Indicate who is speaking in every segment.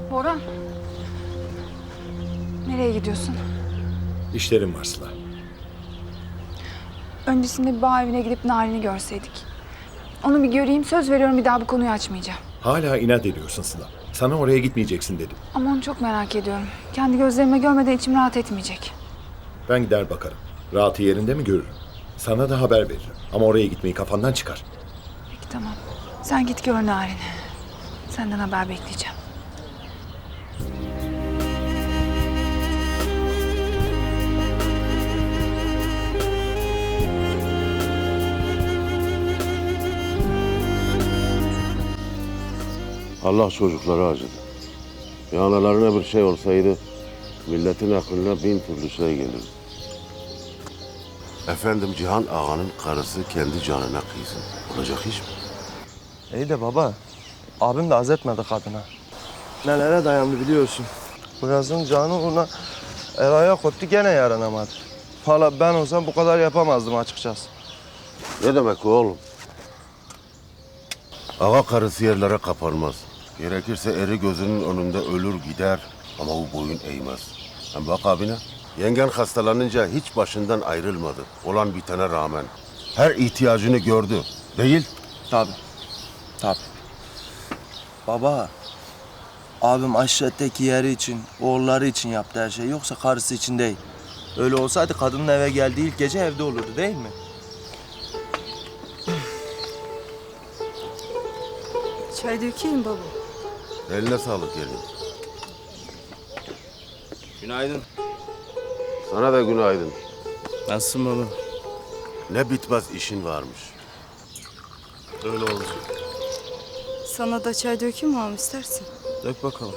Speaker 1: Orhan. Nereye gidiyorsun?
Speaker 2: İşlerim var Sıla.
Speaker 1: Öncesinde bir bağ evine gidip Narin'i görseydik. Onu bir göreyim, söz veriyorum bir daha bu konuyu açmayacağım.
Speaker 2: Hala inat ediyorsun Sıla. Sana oraya gitmeyeceksin dedim.
Speaker 1: Ama onu çok merak ediyorum. Kendi gözlerime görmeden içim rahat etmeyecek.
Speaker 2: Ben gider bakarım. Rahatı yerinde mi görürüm. Sana da haber veririm. Ama oraya gitmeyi kafandan çıkar.
Speaker 1: Peki tamam. Sen git gör Narin'i. Senden haber bekleyeceğim.
Speaker 3: Allah çocukları acıdı. Ya analarına bir şey olsaydı milletin aklına bin türlü şey gelirdi. Efendim Cihan Ağa'nın karısı kendi canına kıysın. Olacak iş mi?
Speaker 4: İyi de baba, abim de az etmedi kadına. Nelere dayandı biliyorsun. Bu yazın canı uğruna el ayak koptu gene yaranamadı. Valla ben olsam bu kadar yapamazdım açıkçası.
Speaker 3: Ne demek o oğlum? Ağa karısı yerlere kapanmaz. Gerekirse eri gözünün önünde ölür gider ama o boyun eğmez. Hem bak abine, yengen hastalanınca hiç başından ayrılmadı. Olan bitene rağmen. Her ihtiyacını gördü. Değil?
Speaker 4: Tabii. Tabii. Baba, abim aşiretteki yeri için, oğulları için yaptı her şey. Yoksa karısı için değil. Öyle olsaydı kadının eve geldiği ilk gece evde olurdu değil mi?
Speaker 5: Çay dökeyim baba.
Speaker 3: Eline sağlık gelin.
Speaker 4: Günaydın.
Speaker 3: Sana da günaydın.
Speaker 4: Nasılsın baba?
Speaker 3: Ne bitmez işin varmış.
Speaker 4: Öyle oldu.
Speaker 5: Sana da çay dökeyim mi ağam istersin?
Speaker 4: Dök bakalım.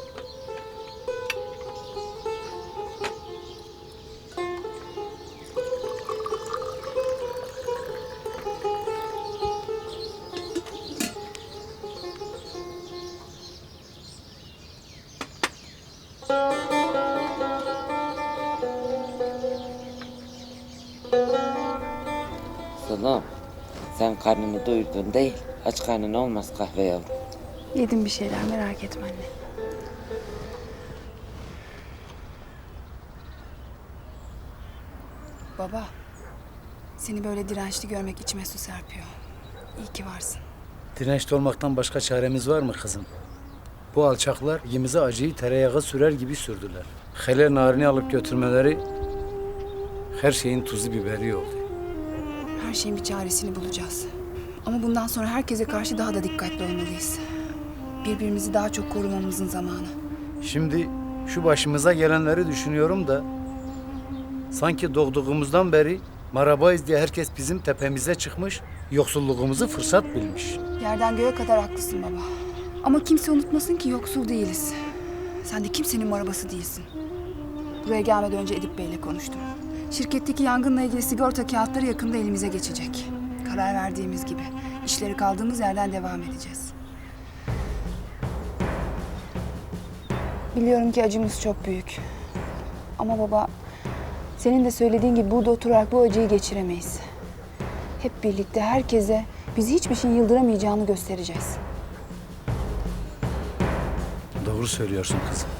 Speaker 6: Sıla'm, sen karnını doyurdun değil. Aç karnın olmaz kahve yavrum.
Speaker 1: Yedim bir şeyler, merak etme anne. Baba, seni böyle dirençli görmek içime su serpiyor. İyi ki varsın.
Speaker 7: Dirençli olmaktan başka çaremiz var mı kızım? Bu alçaklar yemize acıyı tereyağı sürer gibi sürdüler. Hele Narin'i alıp götürmeleri her şeyin tuzu biberi oldu.
Speaker 1: Her şeyin bir çaresini bulacağız. Ama bundan sonra herkese karşı daha da dikkatli olmalıyız. Birbirimizi daha çok korumamızın zamanı.
Speaker 7: Şimdi şu başımıza gelenleri düşünüyorum da sanki doğduğumuzdan beri marabayız diye herkes bizim tepemize çıkmış, yoksulluğumuzu fırsat bilmiş.
Speaker 1: Yerden göğe kadar haklısın baba. Ama kimse unutmasın ki yoksul değiliz. Sen de kimsenin arabası değilsin. Buraya gelmeden önce Edip Bey'le konuştum. Şirketteki yangınla ilgili sigorta kağıtları yakında elimize geçecek. Karar verdiğimiz gibi işleri kaldığımız yerden devam edeceğiz. Biliyorum ki acımız çok büyük. Ama baba, senin de söylediğin gibi burada oturarak bu acıyı geçiremeyiz. Hep birlikte herkese bizi hiçbir şeyin yıldıramayacağını göstereceğiz.
Speaker 7: Doğru söylüyorsun kızım.